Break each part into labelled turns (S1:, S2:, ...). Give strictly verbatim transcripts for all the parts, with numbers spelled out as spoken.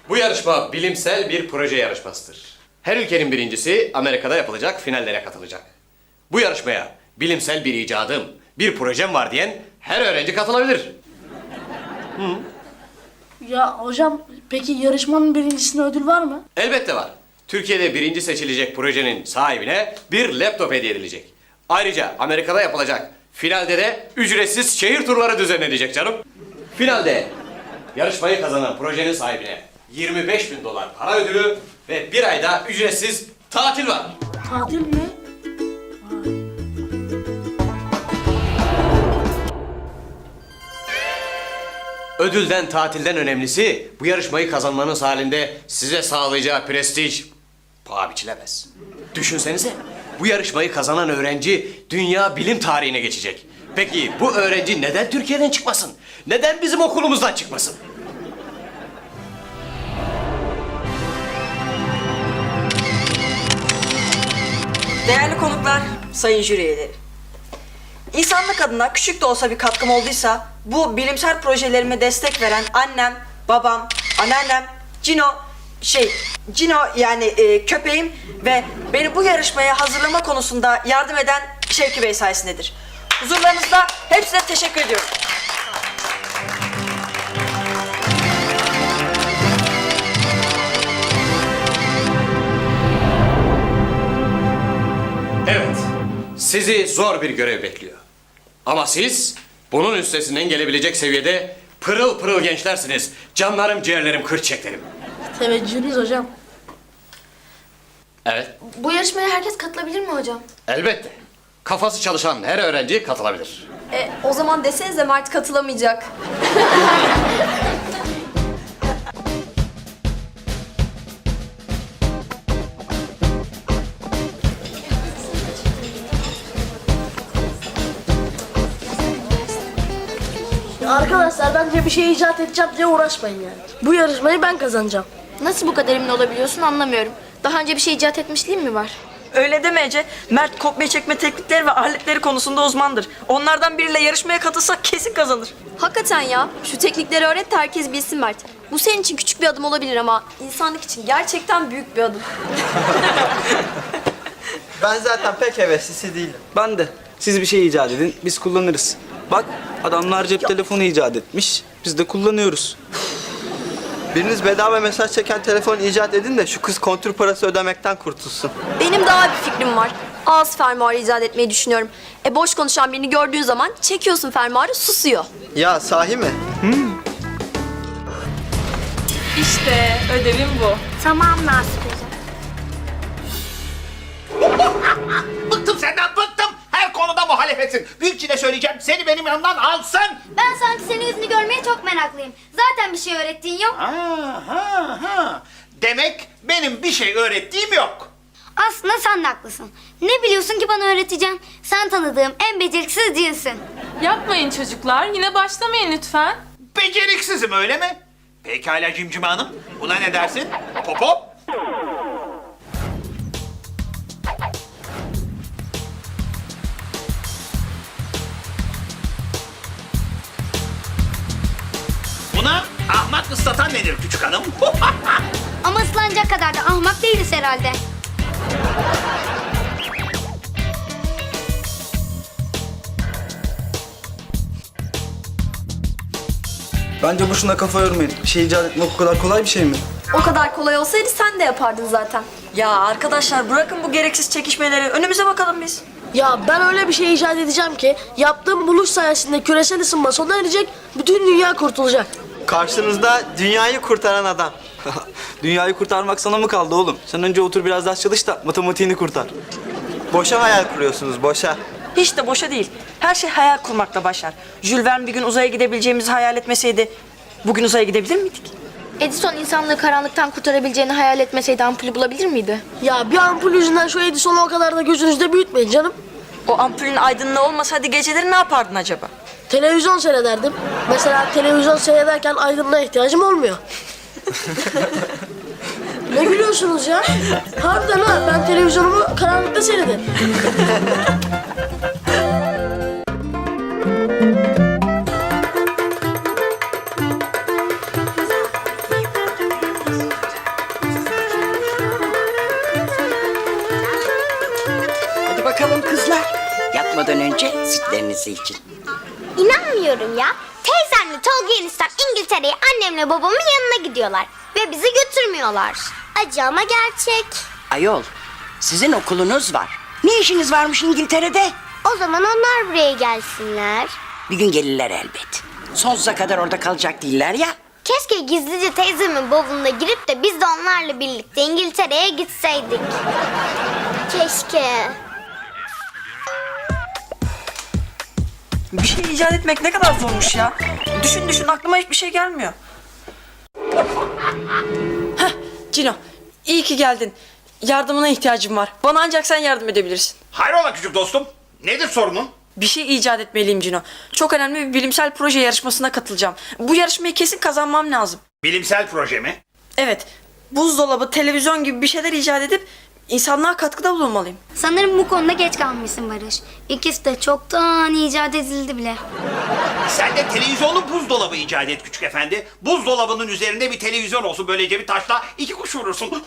S1: Bu yarışma bilimsel bir proje yarışmasıdır. Her ülkenin birincisi Amerika'da yapılacak finallere katılacak. Bu yarışmaya bilimsel bir icadım, bir projem var diyen her öğrenci katılabilir.
S2: Ya hocam peki yarışmanın birincisine ödül var mı?
S1: Elbette var. Türkiye'de birinci seçilecek projenin sahibine bir laptop hediye edilecek. Ayrıca Amerika'da yapılacak finalde de ücretsiz şehir turları düzenlenecek canım. Finalde yarışmayı kazanan projenin sahibine yirmi beş bin dolar para ödülü ve bir ayda ücretsiz tatil var.
S2: Tatil mi?
S1: Ödülden, tatilden önemlisi bu yarışmayı kazanmanız halinde size sağlayacağı prestij paha biçilemez. Düşünsenize, bu yarışmayı kazanan öğrenci dünya bilim tarihine geçecek. Peki bu öğrenci neden Türkiye'den çıkmasın? Neden bizim okulumuzdan çıkmasın?
S3: Değerli konuklar, sayın jüri üyeleri. İnsanlık adına küçük de olsa bir katkım olduysa bu bilimsel projelerime destek veren annem, babam, anneannem, Cino, şey, Cino yani e, köpeğim ve beni bu yarışmaya hazırlama konusunda yardım eden Şevki Bey sayesindedir. Huzurlarınızda hepsine teşekkür ediyorum.
S1: Evet, sizi zor bir görev bekliyor. Ama siz bunun üstesinden gelebilecek seviyede pırıl pırıl gençlersiniz. Canlarım, ciğerlerim, kırçeklerim.
S2: Teveccühünüz hocam.
S1: Evet,
S4: Bu yarışmaya herkes katılabilir mi hocam?
S1: elbette. Kafası çalışan her öğrenci katılabilir.
S4: E, o zaman desenize Mert katılamayacak.
S2: Ya arkadaşlar bence bir şey icat edeceğim diye uğraşmayın yani. Bu yarışmayı ben kazanacağım.
S4: Nasıl bu kadar emin olabiliyorsun anlamıyorum. Daha önce bir şey icat etmişliğin mi var?
S3: Öyle deme Ece. Mert kopya çekme teknikleri ve aletleri konusunda uzmandır. Onlardan biriyle yarışmaya katılsak kesin kazanır.
S4: Hakikaten ya. Şu teknikleri öğret de herkes bilsin Mert. Bu senin için küçük bir adım olabilir ama insanlık için gerçekten büyük bir adım.
S5: Ben zaten pek heveslisi değilim.
S6: Ben de. Siz bir şey icat edin, biz kullanırız. Bak, adamlar cep telefonu icat etmiş, biz de kullanıyoruz.
S5: Biriniz bedava mesaj çeken telefon icat edin de şu kız kontür parası ödemekten kurtulsun.
S4: Benim daha bir fikrim var. Ağız fermuarı icat etmeyi düşünüyorum. E boş konuşan birini gördüğün zaman çekiyorsun fermuarı susuyor.
S5: Ya sahi mi?
S7: İşte ödevim bu.
S2: Tamam Nasip hocam.
S8: Bıktım senden bıktım. Her konuda muhalefetsin. Büyükçine söyleyeceğim seni benim yanımdan alsın.
S9: Ben sanki senin yüzünü görmeye çok meraklıyım. Zaten bir şey öğrettiğin yok.
S8: Ha, ha, ha. Demek benim bir şey öğrettiğim yok.
S9: Aslında sen de haklısın. Ne biliyorsun ki bana öğreteceğim? Sen tanıdığım en beceriksiz cinsin.
S7: Yapmayın çocuklar. Yine başlamayın lütfen.
S8: Beceriksizim öyle mi? Pekala Cimcime Hanım. Buna ne dersin? Hop hop. Buna ahmak ıslatan nedir küçük hanım?
S9: Ama ıslanacak kadar da ahmak değiliz herhalde.
S6: Bence boşuna kafa yormayın. Bir şey icat etmek o kadar kolay bir şey mi?
S4: O kadar kolay olsaydı sen de yapardın zaten.
S3: Ya arkadaşlar bırakın bu gereksiz çekişmeleri. Önümüze bakalım biz.
S2: Ya ben öyle bir şey icat edeceğim ki yaptığım buluş sayesinde küresel ısınma sona erecek, bütün dünya kurtulacak.
S5: Karşınızda dünyayı kurtaran adam.
S6: Dünyayı kurtarmak sana mı kaldı oğlum? Sen önce otur biraz ders çalış da matematiğini kurtar.
S5: Boşa hayal kuruyorsunuz, boşa.
S3: Hiç de boşa değil. Her şey hayal kurmakla başlar. Jules Verne bir gün uzaya gidebileceğimizi hayal etmeseydi bugün uzaya gidebilir miydik?
S4: Edison insanlığı karanlıktan kurtarabileceğini hayal etmeseydi ampulü bulabilir miydi?
S2: Ya bir ampul yüzünden şu Edison'u o kadar da gözünüzde büyütmeyin canım.
S3: O ampulün aydınlığı olmasaydı geceleri ne yapardın acaba?
S2: Televizyon seyrederdim. Mesela televizyon seyrederken aydınlığa ihtiyacım olmuyor. Ne gülüyorsunuz ya? Harbiden ha, ben televizyonumu karanlıkta seyrederim.
S10: sütlerinizi için.
S9: İnanmıyorum ya. Teyzemle Tolga eniştem İngiltere'ye annemle babamın yanına gidiyorlar. Ve bizi götürmüyorlar. Acı ama gerçek.
S10: Ayol, sizin okulunuz var. Ne işiniz varmış İngiltere'de?
S9: O zaman onlar buraya gelsinler.
S10: Bir gün gelirler elbet. Sonsuza kadar orada kalacak değiller ya.
S9: Keşke gizlice teyzemin bavuluna girip de biz de onlarla birlikte İngiltere'ye gitseydik. Keşke.
S3: Bir şey icat etmek ne kadar zormuş ya. Düşün düşün aklıma hiçbir şey gelmiyor. Heh Cino, iyi ki geldin. Yardımına ihtiyacım var. Bana ancak sen yardım edebilirsin.
S8: Hayrola küçük dostum? Nedir sorunun?
S3: Bir şey icat etmeliyim Cino. Çok önemli bir bilimsel proje yarışmasına katılacağım. Bu yarışmayı kesin kazanmam lazım.
S8: Bilimsel proje mi?
S3: Evet, buzdolabı, televizyon gibi bir şeyler icat edip insanlığa katkıda bulunmalıyım.
S9: Sanırım bu konuda geç kalmışsın Barış. İkisi de çoktan icat edildi bile.
S8: Sen de televizyonlu buzdolabı icat et küçük efendi. Buzdolabının üzerinde bir televizyon olsun. Böylece bir taşla iki kuş vurursun.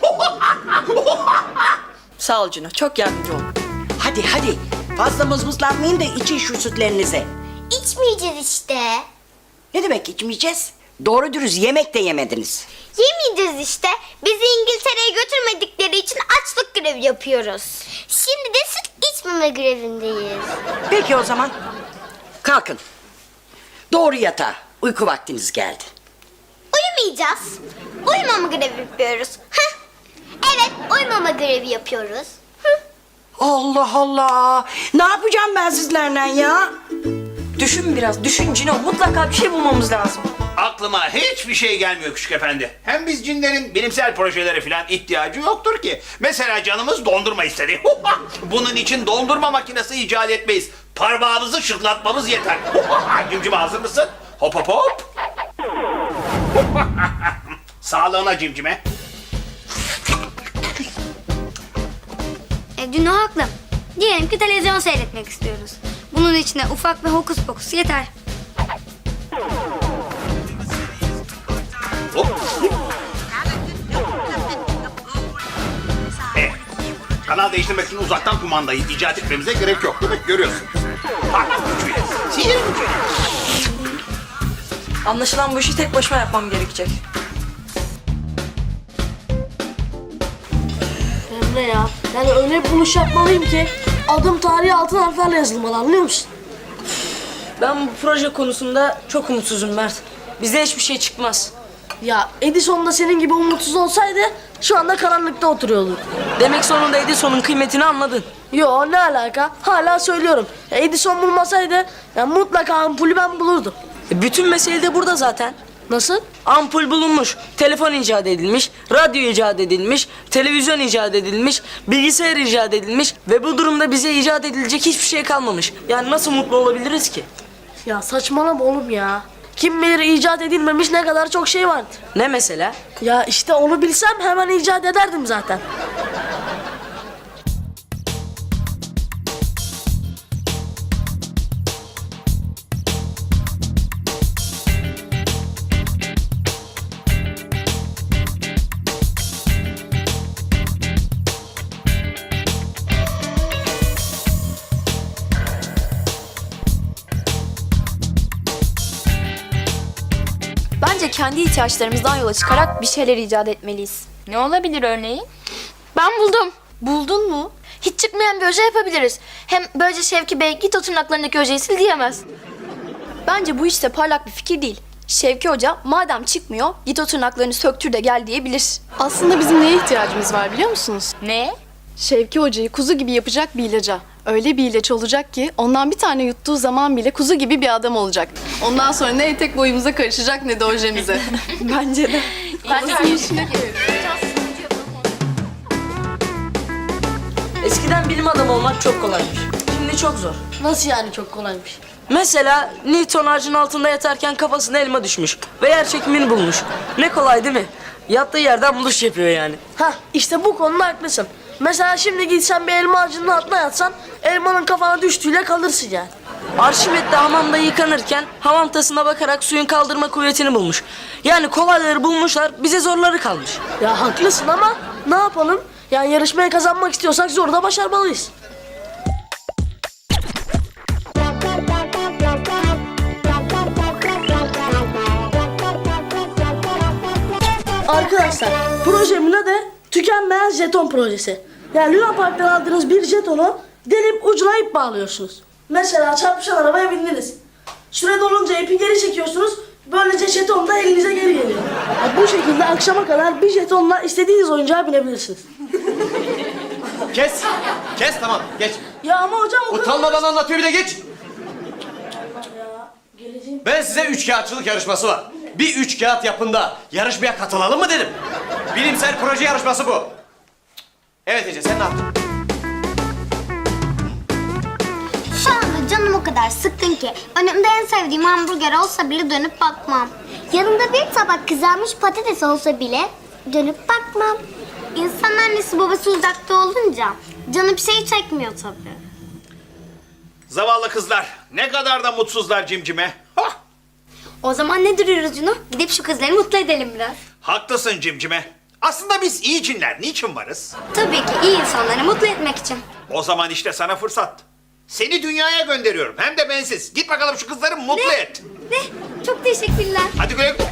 S3: Sağ ol Cino, çok yardımcı ol.
S10: Hadi hadi, fazla mızmızlanmayın da için şu sütlerinizi.
S9: İçmeyeceğiz işte.
S10: Ne demek içmeyeceğiz? Doğru dürüst yemek de yemediniz.
S9: Yemeyeceğiz işte. Bizi İngiltere'ye götürmedikleri için açlık grevi yapıyoruz. Şimdi de süt içmeme grevindeyiz.
S10: Peki o zaman. Kalkın. Doğru yatağa. Uyku vaktiniz geldi.
S9: Uyumayacağız. Uyumama grevi yapıyoruz. Heh. Evet, uyumama grevi yapıyoruz. Hı.
S10: Allah Allah. Ne yapacağım ben sizlerle ya?
S3: Düşün biraz, düşün Cino. Mutlaka bir şey bulmamız lazım.
S8: Aklıma hiçbir şey gelmiyor küçük efendi. Hem biz cinlerin bilimsel projelere falan ihtiyacı yoktur ki. Mesela canımız dondurma istedi. Bunun için dondurma makinesi icat etmeyiz. Parmağımızı şıklatmamız yeter. Cimcime hazır mısın? Hop hop hop. Sağlığına cimcime.
S9: E, Cino haklı. Diyelim ki televizyon seyretmek istiyoruz. Bunun içine ufak bir hokus pokus yeter.
S8: Hop. Evet. Kanal değiştirmek için uzaktan kumandayı icat etmemize gerek yok değil mi? Görüyorsun. Parmak gücüyle, sihir gücüyle.
S3: Anlaşılan bu işi tek başıma yapmam gerekecek.
S2: Emre ya. Yani öyle bir buluş yapmalıyım ki adım tarihi altın harflerle yazılmalı, anlıyor musun?
S3: Ben bu proje konusunda çok umutsuzum Mert. Bize hiçbir şey çıkmaz.
S2: Ya Edison da senin gibi umutsuz olsaydı şu anda karanlıkta oturuyordu.
S3: Demek sonunda Edison'un kıymetini anladın.
S2: Yo, ne alaka? Hala söylüyorum. Ya Edison bulmasaydı ya mutlaka ampulü ben bulurdum.
S3: E, bütün mesele de burada zaten.
S2: Nasıl?
S3: Ampul bulunmuş, telefon icat edilmiş, radyo icat edilmiş, televizyon icat edilmiş, bilgisayar icat edilmiş ve bu durumda bize icat edilecek hiçbir şey kalmamış. Yani nasıl mutlu olabiliriz ki?
S2: Ya saçmalama oğlum ya. Kim bilir icat edilmemiş ne kadar çok şey vardır.
S3: Ne mesela?
S2: Ya işte onu bilsem hemen icat ederdim zaten.
S4: Bence kendi ihtiyaçlarımızdan yola çıkarak bir şeyler icat etmeliyiz.
S7: Ne olabilir örneğin?
S4: Ben buldum. Buldun mu? Hiç çıkmayan bir oje yapabiliriz. Hem böylece Şevki Bey git o tırnaklarındaki ojeyi sil diyemez. Bence bu hiç de parlak bir fikir değil. Şevki Hoca madem çıkmıyor git o tırnaklarını söktür de gel diyebilir.
S11: Aslında bizim neye ihtiyacımız var biliyor musunuz?
S7: Ne?
S11: Şevki Hoca'yı kuzu gibi yapacak bir ilaca. Öyle bir ilaç olacak ki ondan bir tane yuttuğu zaman bile kuzu gibi bir adam olacak. Ondan sonra ne etek boyumuza karışacak ne de ojemize. Bence de.
S7: Bence her işine
S3: Eskiden bilim adamı olmak çok kolaymış. Şimdi çok zor.
S2: Nasıl yani çok kolaymış?
S3: Mesela Newton ağacın altında yatarken kafasına elma düşmüş ve yer çekimini bulmuş. Ne kolay değil mi? Yattığı yerden buluş yapıyor yani.
S2: Hah, işte bu konuda haklısın. Mesela şimdi gitsen bir elma ağacının altına yatsan elmanın kafana düştüğüyle kalırsın yani.
S3: Arşimet de hamamda yıkanırken hamam tasına bakarak suyun kaldırma kuvvetini bulmuş. Yani kolayları bulmuşlar, bize zorları kalmış.
S2: Ya haklısın ama ne yapalım? Yani yarışmayı kazanmak istiyorsak zor da başarmalıyız. Arkadaşlar projemin adı tükenmeyen jeton projesi. Yani Luna Park'tan aldığınız bir jetonu delip ucuna ip bağlıyorsunuz. Mesela çarpışan arabaya bindiniz. Süre dolunca ipi geri çekiyorsunuz. Böylece jeton da elinize geri geliyor. Yani bu şekilde akşama kadar bir jetonla istediğiniz oyuncağa binebilirsiniz.
S1: Kes. Kes tamam geç.
S2: Ya ama hocam o kadar...
S1: Utanmadan anlatıyor bir de geç.
S2: Ya, geleceğim.
S1: Ben size üç kağıtçılık yarışması var. Bir üç kağıt yapın da yarışmaya katılalım mı dedim. Bilimsel proje yarışması bu. Evet Ece sen ne yaptın?
S9: Şu anda canım o kadar sıkkın ki önümde en sevdiğim hamburger olsa bile dönüp bakmam. Yanımda bir tabak kızarmış patates olsa bile dönüp bakmam. İnsan annesi babası uzakta olunca canı bir şey çekmiyor tabii.
S8: Zavallı kızlar. Ne kadar da mutsuzlar cimcime. Hah!
S9: O zaman ne duruyoruz Cunu? Gidip şu kızları mutlu edelim biraz.
S8: Haklısın cimcime. Aslında biz iyi cinler. Niçin varız?
S9: Tabii ki iyi insanları mutlu etmek için.
S8: O zaman işte sana fırsat. Seni dünyaya gönderiyorum. Hem de bensiz. Git bakalım şu kızları mutlu et.
S9: Ne? Çok teşekkürler.
S8: Hadi güle güle.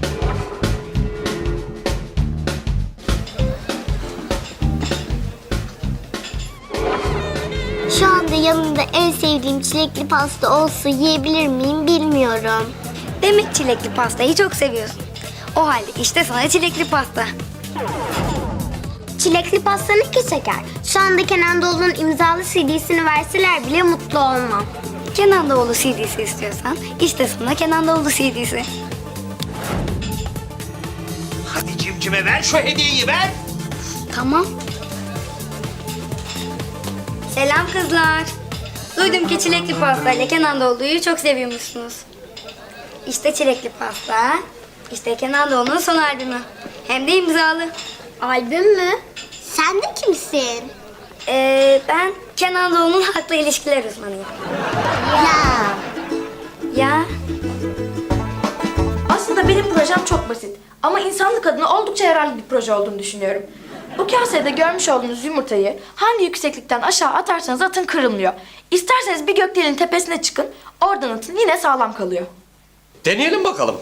S9: Şu anda yanımda en sevdiğim çilekli pasta olsa yiyebilir miyim bilmiyorum. Demek çilekli pastayı çok seviyorsun. O halde işte sana çilekli pasta. Çilekli pastanın ki şeker. Şu anda Kenan Doğulu'nun imzalı C D'sini verseler bile mutlu olmam. Kenan Doğulu C D'si istiyorsan işte sana Kenan Doğulu C D'si.
S8: Hadi cimcime ver şu hediyeyi ver.
S9: Tamam. Selam kızlar. Duydum ki çilekli pasta ile Kenan Doğulu'yu çok seviyormuşsunuz. İşte çilekli pasta. İşte Kenan Doğulu'nun son albümü. Hem de imzalı. Albüm mü? Sen de kimsin? Ee, ben Kenan Doğulu'nun haklı ilişkiler uzmanıyım. Ya. Ya.
S4: Aslında benim projem çok basit. Ama insanlık adına oldukça yararlı bir proje olduğunu düşünüyorum. Bu kasede görmüş olduğunuz yumurtayı hangi yükseklikten aşağı atarsanız atın kırılmıyor. İsterseniz bir gökdelenin tepesine çıkın, oradan atın yine sağlam kalıyor.
S1: Deneyelim bakalım.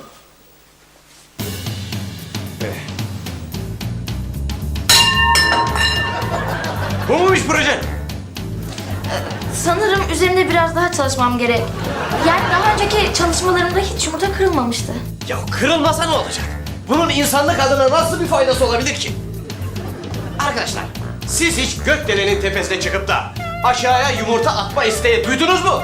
S1: Bu muymuş proje?
S4: Sanırım üzerinde biraz daha çalışmam gerek. Yani daha önceki çalışmalarımda hiç yumurta kırılmamıştı.
S1: Ya kırılmasa ne olacak? Bunun insanlık adına nasıl bir faydası olabilir ki? Arkadaşlar, siz hiç gökdelenin tepesine çıkıp da aşağıya yumurta atma isteği duydunuz mu?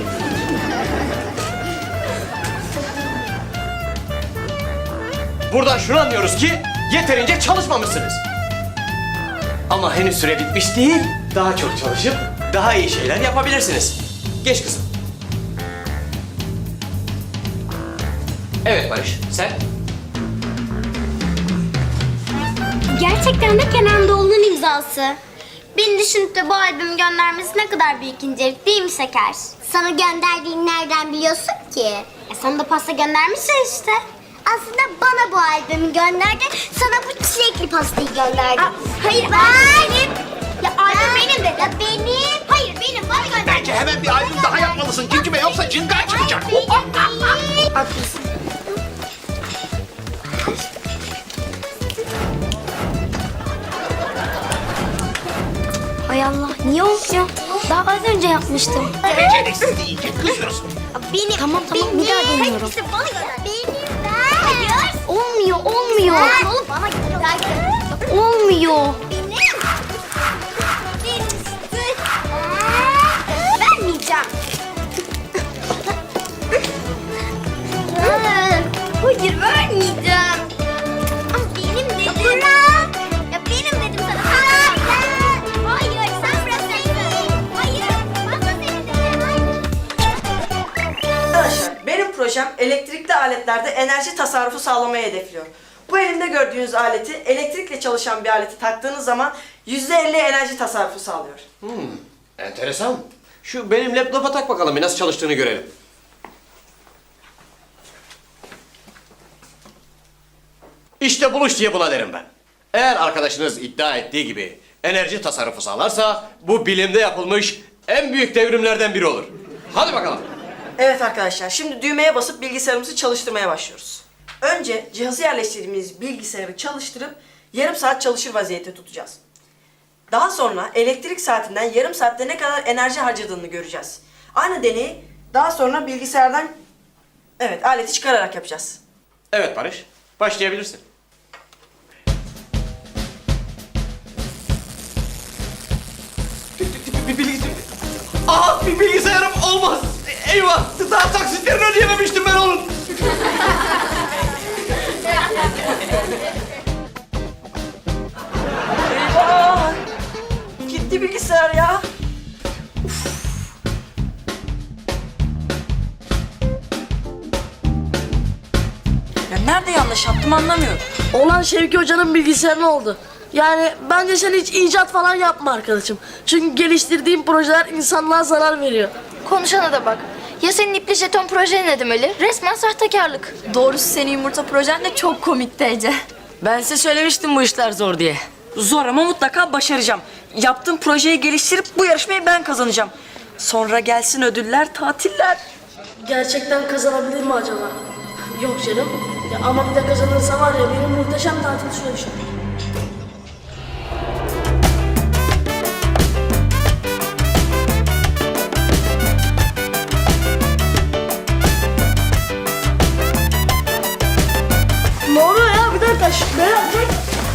S1: Buradan şunu anlıyoruz ki yeterince çalışmamışsınız. Ama henüz süre bitmiş değil. Daha çok çalışıp daha iyi şeyler yapabilirsiniz. Geç kızım. Evet Barış, sen?
S9: Gerçekten de Kenan Doğulu'nun imzası. Beni düşünüp de bu albümü göndermesi ne kadar büyük incelik değil mi Şeker? Sana gönderdiğini nereden biliyorsun ki? E sana da pasta göndermişsin işte. Aslında bana bu albümü gönderdi, sana bu çilekli pastayı gönderdi. Aa, hayır, benim. Ya albüm benim dedi. Ya benim. Hayır benim, bana gönderdi.
S8: Bence hemen bir albüm daha yapmalısın cimcime yoksa cıngar çıkacak.
S9: Haklısın. Hay Allah, niye olmuyor? Daha az önce yapmıştım.
S8: Beceriksiz deyince kızıyorsun.
S9: Benim, tamam tamam benim. Bir daha deniyorum. Hepsi bana gönder. Benim. Hayır. Olmuyor, olmuyor. Ben. Oğlum bana gönder. Olmuyor. Benim. Benim. Vermeyeceğim. Hayır vermeyeceğim. Ama benim dedim. Bırak. Ya benim dedim sana. Hayır. Hayır sen bırakaydın. Hayır. Ben de senin dedim. Hayır.
S3: Arkadaşlar benim projem elektrikli aletlerde enerji tasarrufu sağlamayı hedefliyor. Bu elimde gördüğünüz aleti elektrikle çalışan bir aleti taktığınız zaman yüzde elli enerji tasarrufu sağlıyor.
S1: Hmm, enteresan. Şu benim laptopa tak bakalım bir nasıl çalıştığını görelim. İşte buluş diye buna derim ben. Eğer arkadaşınız iddia ettiği gibi enerji tasarrufu sağlarsa bu bilimde yapılmış en büyük devrimlerden biri olur. Hadi bakalım.
S3: Evet arkadaşlar şimdi düğmeye basıp bilgisayarımızı çalıştırmaya başlıyoruz. Önce cihazı yerleştirdiğimiz bilgisayarı çalıştırıp yarım saat çalışır vaziyette tutacağız. Daha sonra elektrik saatinden yarım saatte ne kadar enerji harcadığını göreceğiz. Aynı deneyi daha sonra bilgisayardan evet aleti çıkararak yapacağız.
S1: Evet Barış, başlayabilirsin. Bir bilgisayar... Aa, bir bilgisayarım olmaz. Eyvah, daha taksitlerini ödeyememiştim ben onun.
S3: Eyvah! Gitti bilgisayar ya. Ya nerede yanlış yaptım anlamıyorum.
S2: Olan Şevki Hoca'nın bilgisayarına oldu. Yani bence sen hiç icat falan yapma arkadaşım. Çünkü geliştirdiğin projeler insanlığa zarar veriyor.
S4: Konuşana da bak. Ya senin ipli jeton projen ne demeli? Resmen sahtekarlık.
S7: Doğrusu senin yumurta projen de çok komikti Ece.
S3: Ben size söylemiştim bu işler zor diye. Zor ama mutlaka başaracağım. Yaptığım projeyi geliştirip bu yarışmayı ben kazanacağım. Sonra gelsin ödüller, tatiller.
S2: Gerçekten kazanabilir mi acaba? Yok canım. Ya ama bir de kazanırsa var ya benim muhteşem tatil süreçim. Ne oluyor ya? Bir dakika. Şşt, ne yapacak?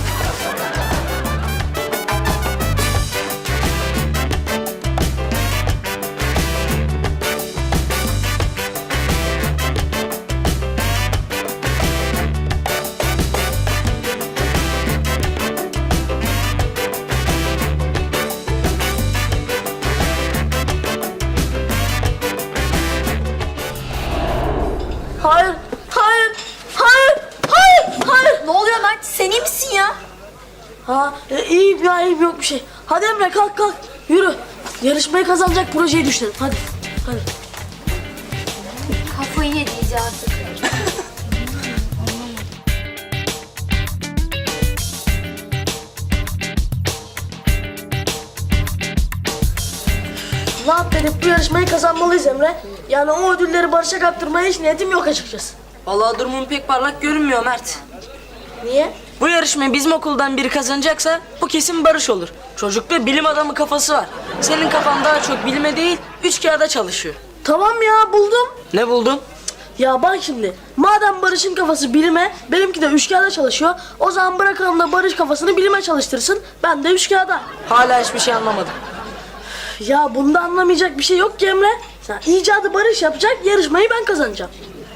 S2: Hayır, hayır, hayır, hayır, hayır.
S7: Ne oluyor Mert? Sen iyi misin ya?
S2: Ha, e, iyiyim ya, iyiyim, yok bir şey. Hadi Emre kalk kalk, yürü. Yarışmayı kazanacak projeyi düşünelim, hadi. Hadi.
S9: Kafayı yedi icadı.
S2: Ne yap dedik, bu yarışmayı kazanmalıyız Emre. Yani o ödülleri Barış'a kaptırmaya hiç niyetim yok açıkçası.
S3: Vallahi durumum pek parlak görünmüyor Mert.
S2: Niye?
S3: Bu yarışmayı bizim okuldan biri kazanacaksa bu kesin Barış olur. Çocukta bilim adamı kafası var. Senin kafan daha çok bilime değil, üç kağıda çalışıyor.
S2: Tamam ya, buldum.
S3: Ne buldun?
S2: Ya bak şimdi, madem Barış'ın kafası bilime, benimki de üçkağıda çalışıyor. O zaman bırakalım da Barış kafasını bilime çalıştırsın, ben de üçkağıda.
S3: Hala hiçbir şey anlamadım.
S2: Ya bunda anlamayacak bir şey yok ki Emre. Sen icadı Barış yapacak, yarışmayı ben kazanacağım.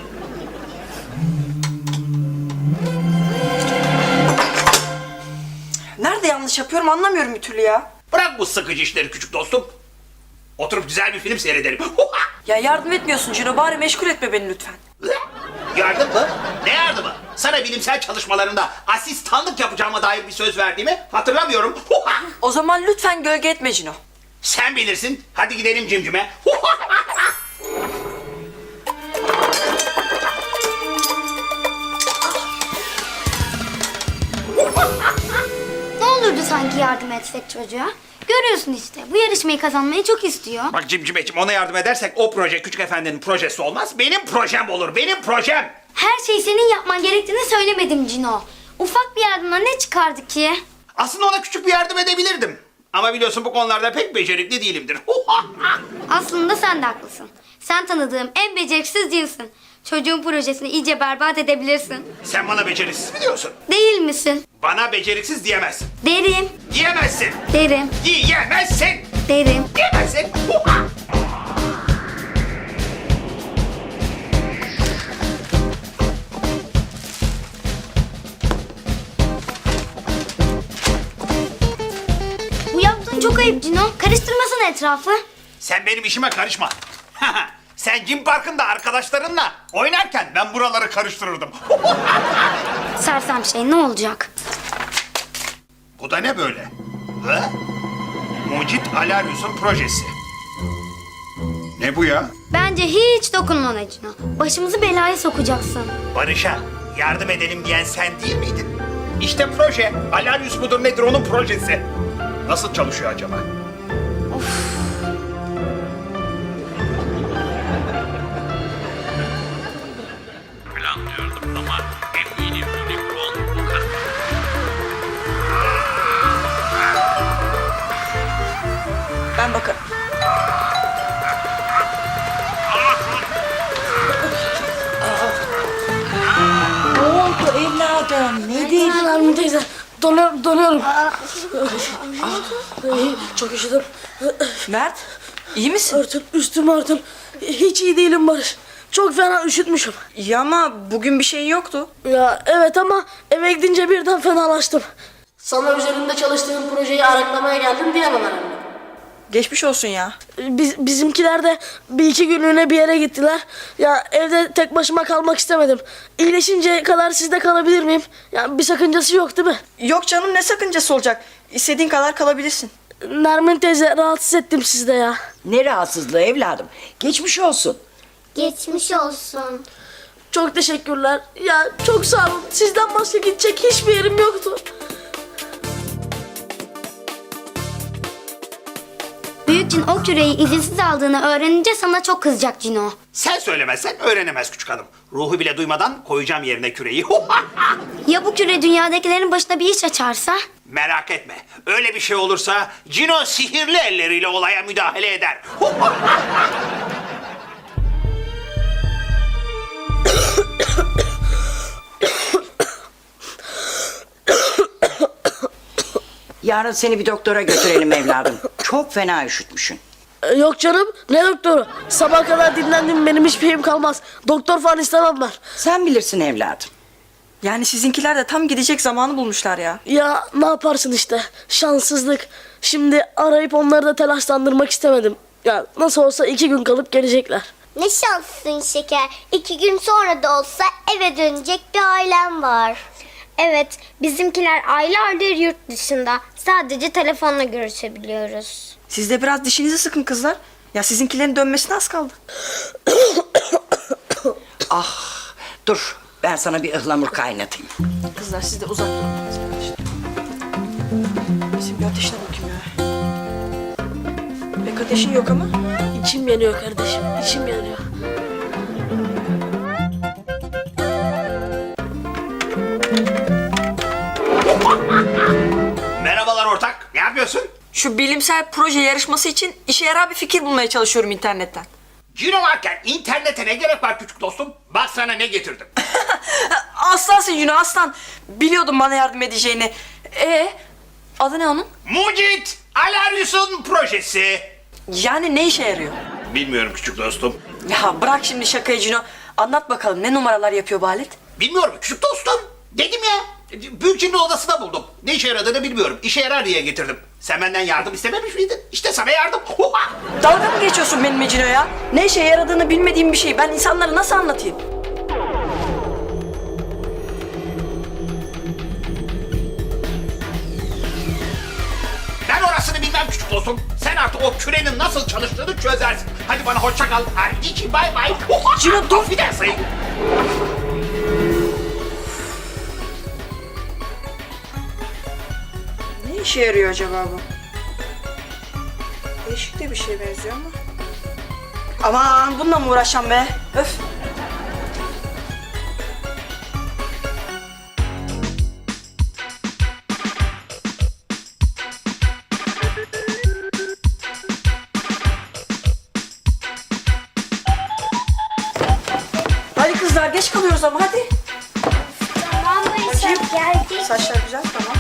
S3: Nerede yanlış yapıyorum anlamıyorum bir türlü ya.
S8: Bırak bu sıkıcı işleri küçük dostum. Oturup güzel bir film seyredelim.
S3: Ya yardım etmiyorsun Cino, bari meşgul etme beni lütfen.
S8: Yardım mı? Ne yardımı? Sana bilimsel çalışmalarında asistanlık yapacağıma dair bir söz verdiğimi hatırlamıyorum.
S3: O zaman lütfen gölge etme Cino.
S8: Sen bilirsin. Hadi gidelim cimcime.
S9: Ne olurdu sanki yardım etsek çocuğa? Görüyorsun işte, bu yarışmayı kazanmayı çok istiyor.
S8: Bak cimcimeciğim, ona yardım edersek o proje küçük efendinin projesi olmaz. Benim projem olur. Benim projem.
S9: Her şeyi senin yapman gerektiğini söylemedim Cino. Ufak bir yardımla ne çıkardı ki?
S8: Aslında ona küçük bir yardım edebilirdim. Ama biliyorsun bu konularda pek becerikli değilimdir.
S9: Aslında sen de haklısın. Sen tanıdığım en beceriksiz değilsin. Çocuğun projesini iyice berbat edebilirsin.
S8: Sen bana beceriksiz mi diyorsun?
S9: Değil misin?
S8: Bana beceriksiz diyemezsin.
S9: Derim,
S8: Diyemezsin.
S9: derim,
S8: Diyemezsin.
S9: derim.
S8: Diyemezsin.
S9: Bu yaptığın çok ayıp Cino. Karıştırmasın etrafı.
S8: Sen benim işime karışma. Sen Jim Park'ında arkadaşlarınla oynarken ben buraları karıştırırdım.
S9: Sersem şey ne olacak?
S8: Bu da ne böyle? Ha? Mucit Alarius'un projesi. Ne bu ya?
S9: Bence hiç dokunma ona Cino. Başımızı belaya sokacaksın.
S8: Barış'a yardım edelim diyen sen değil miydin? İşte proje. Alarius mudur nedir onun projesi. Nasıl çalışıyor acaba?
S12: Planlıyordum ama
S3: Ben bakarım.
S10: Ne oldu evladım? Nedir?
S2: Nermin teyze, donuyorum, donuyorum. Ay, çok üşüdüm.
S3: Mert, iyi misin?
S2: Örtün, üstümü örtün. Hiç iyi değilim Barış. Çok fena üşütmüşüm.
S3: Ya ama bugün bir şeyin yoktu.
S2: Ya evet ama eve gidince birden fenalaştım. Sana üzerinde çalıştığım projeyi araklamaya geldim diyemem herhalde.
S3: Geçmiş olsun ya.
S2: Biz, bizimkiler de bir iki günlüğüne bir yere gittiler. Ya evde tek başıma kalmak istemedim. İyileşinceye kadar sizde kalabilir miyim? Ya bir sakıncası yok değil mi?
S3: Yok canım, ne sakıncası olacak? İstediğin kadar kalabilirsin.
S2: Nermin teyze, rahatsız ettim sizde ya.
S10: Ne rahatsızlığı evladım? Geçmiş olsun.
S9: Geçmiş olsun.
S2: Çok teşekkürler. Ya çok sağ olun. Sizden başka gidecek hiçbir yerim yoktu.
S9: Büyük cin o küreyi izinsiz aldığını öğrenince sana çok kızacak Cino.
S8: Sen söylemezsen öğrenemez küçük hanım. Ruhu bile duymadan koyacağım yerine küreyi.
S9: Ya bu küre dünyadakilerin başına bir iş açarsa?
S8: Merak etme. Öyle bir şey olursa Cino sihirli elleriyle olaya müdahale eder.
S10: Yarın seni bir doktora götürelim evladım. Çok fena üşütmüşsün.
S2: Ee, Yok canım, ne doktoru? Sabah kadar dinlendim, benim hiçbir şeyim kalmaz. Doktor falan istemem ben.
S10: Sen bilirsin evladım.
S3: Yani sizinkiler de tam gidecek zamanı bulmuşlar ya.
S2: Ya ne yaparsın işte, şanssızlık. Şimdi arayıp onları da telaşlandırmak istemedim. Ya nasıl olsa iki gün kalıp gelecekler.
S9: Ne şanslısın şeker. İki gün sonra da olsa eve dönecek bir ailem var. Evet, bizimkiler aylardır yurt dışında. Sadece telefonla görüşebiliyoruz.
S3: Siz de biraz dişinizi sıkın kızlar. Ya sizinkilerin dönmesine az kaldı.
S10: Ah, dur ben sana bir ıhlamur kaynatayım.
S3: Kızlar siz de uzak durun. Bizim bir ateşine bakayım ya. Pek ateşin yok ama.
S2: İçim yanıyor kardeşim, içim yanıyor.
S8: Merhabalar ortak. Ne yapıyorsun?
S3: Şu bilimsel proje yarışması için işe yarar bir fikir bulmaya çalışıyorum internetten.
S8: Cino varken internete ne gerek var küçük dostum? Bak sana ne getirdim.
S3: Aslansın Yunan aslan. Biliyordum bana yardım edeceğini. Ee, adı ne onun?
S8: Mucit Alaryus'un projesi.
S3: Yani ne işe yarıyor?
S8: Bilmiyorum küçük dostum.
S3: Ya bırak şimdi şakayı Cino. Anlat bakalım ne numaralar yapıyor bu alet?
S8: Bilmiyorum küçük dostum. Dedim ya. Büyükçinin odasında buldum. Ne işe yaradığını bilmiyorum. İşe yarar diye getirdim. Sen benden yardım istememiş miydin? İşte sana yardım.
S3: Dalga mı geçiyorsun benimle Cino ya? Ne işe yaradığını bilmediğim bir şeyi ben insanlara nasıl anlatayım?
S8: Ben orasını bilmem küçük dostum. Sen artık o kürenin nasıl çalıştığını çözersin. Hadi bana hoşça kal. Hadi için bay bay.
S3: Cino dur.
S8: Bir daha sayın.
S3: Ne işe yarıyor acaba bu? Değişik de bir şeye benziyor ama. Aman bununla mı uğraşacağım be? Öf. Hadi kızlar geç kalıyoruz ama hadi.
S9: Tamam
S3: Bakayım.
S9: geldik.
S3: Saçlar güzel tamam.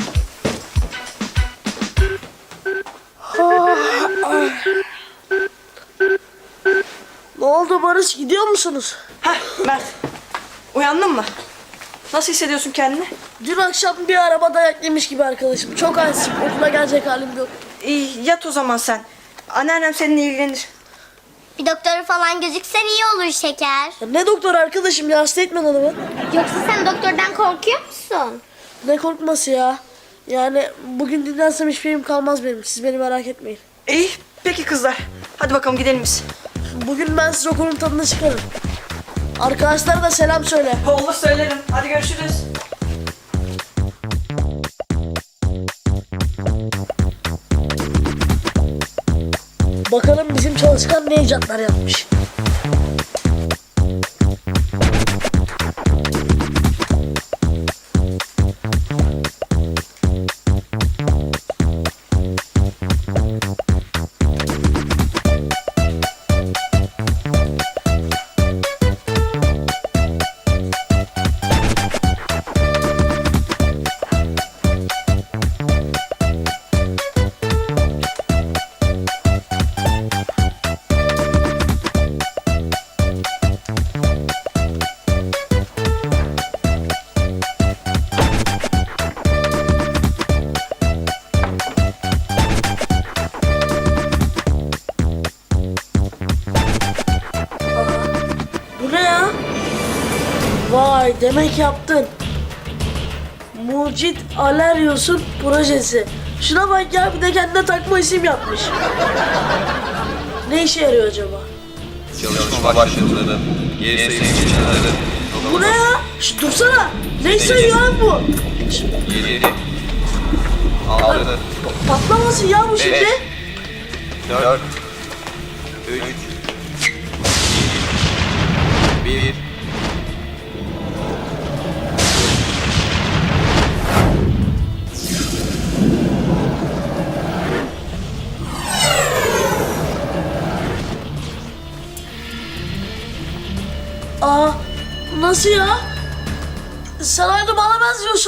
S2: Ne oldu Barış, gidiyor musunuz?
S3: Heh Mert. Uyandın mı? Nasıl hissediyorsun kendini?
S2: Dün akşam bir araba dayak yemiş gibi arkadaşım. Çok halsizim, okula gelecek halim yok.
S3: İyi yat o zaman sen. Anneannem seninle ilgilenir.
S9: Bir doktora falan gözüksen iyi olur şeker.
S2: Ya ne doktor arkadaşım ya, hasta etmen adamı.
S9: Yoksa sen doktordan korkuyor musun?
S2: Ne korkması ya. Yani bugün dinlensem hiçbir şeyim kalmaz benim. Siz beni merak etmeyin.
S3: İyi peki kızlar. Hadi bakalım gidelim biz.
S2: Bugün ben size okulun tadını çıkarım. Arkadaşlara da selam söyle.
S3: Olur söylerim. Hadi görüşürüz.
S2: Bakalım bizim çalışkan ne icatlar yapmış. Vay demek yaptın. Mucit Aleryos'un projesi. Şuna bak ya, bir de kendine takma isim yapmış. Ne işe yarıyor acaba?
S5: Çalışma başladı. Geri sayım geçenlerde.
S2: Bu ne ya? Şş, dursana. Ne sayıyor lan bu? Şş,
S5: yedi. altı.
S2: patlamasın ya bu şimdi.
S5: dört. üç. bir.
S2: Aa, nasıl ya? Sen aynı bana benziyorsun.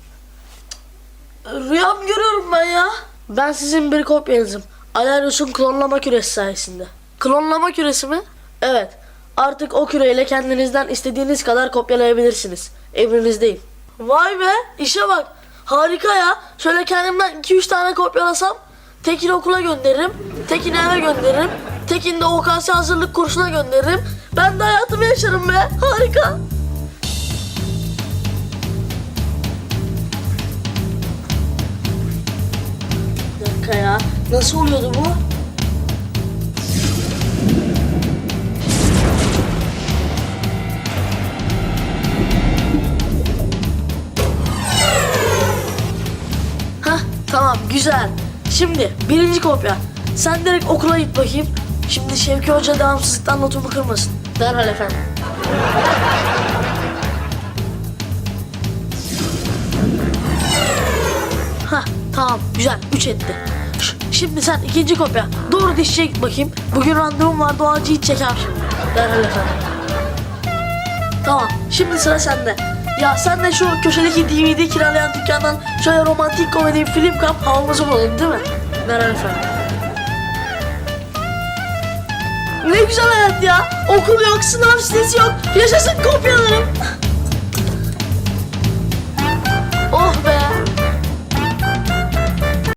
S2: Rüya mı görüyorum ben ya? Ben sizin bir kopyanızım. Aleryos'un klonlama küresi sayesinde. Klonlama küresi mi? Evet. Artık o küreyle kendinizden istediğiniz kadar kopyalayabilirsiniz. Emrinizdeyim. Vay be, işe bak. Harika ya. Şöyle kendimden iki üç tane kopyalasam Tekin'i okula gönderirim, Tekin'i eve gönderirim, Tekin'i de O K S hazırlık kursuna gönderirim. Ben de hayatımı yaşarım be. Harika. Bir dakika ya. Nasıl oluyordu bu? Hah, tamam, güzel. Şimdi birinci kopya. Sen direkt okula git bakayım. Şimdi Şevki Hoca devamsızlıktan notumu kırmasın. Derhal efendim. Hah, tamam, güzel. Üç etti. Ş- Şimdi sen ikinci kopya. Doğru dişçiye git bakayım. Bugün randevum vardı, o acıyı çeker şimdi. Derhal efendim. Tamam, şimdi sıra sende. Ya sen de şu köşedeki D V D kiralayan dükkandan şöyle romantik komedi bir film kap, havamızı bulalım değil mi? Derhal efendim. Ne güzel hayat ya. Okul yok, sınav stresi yok. Yaşasın kopyalarım.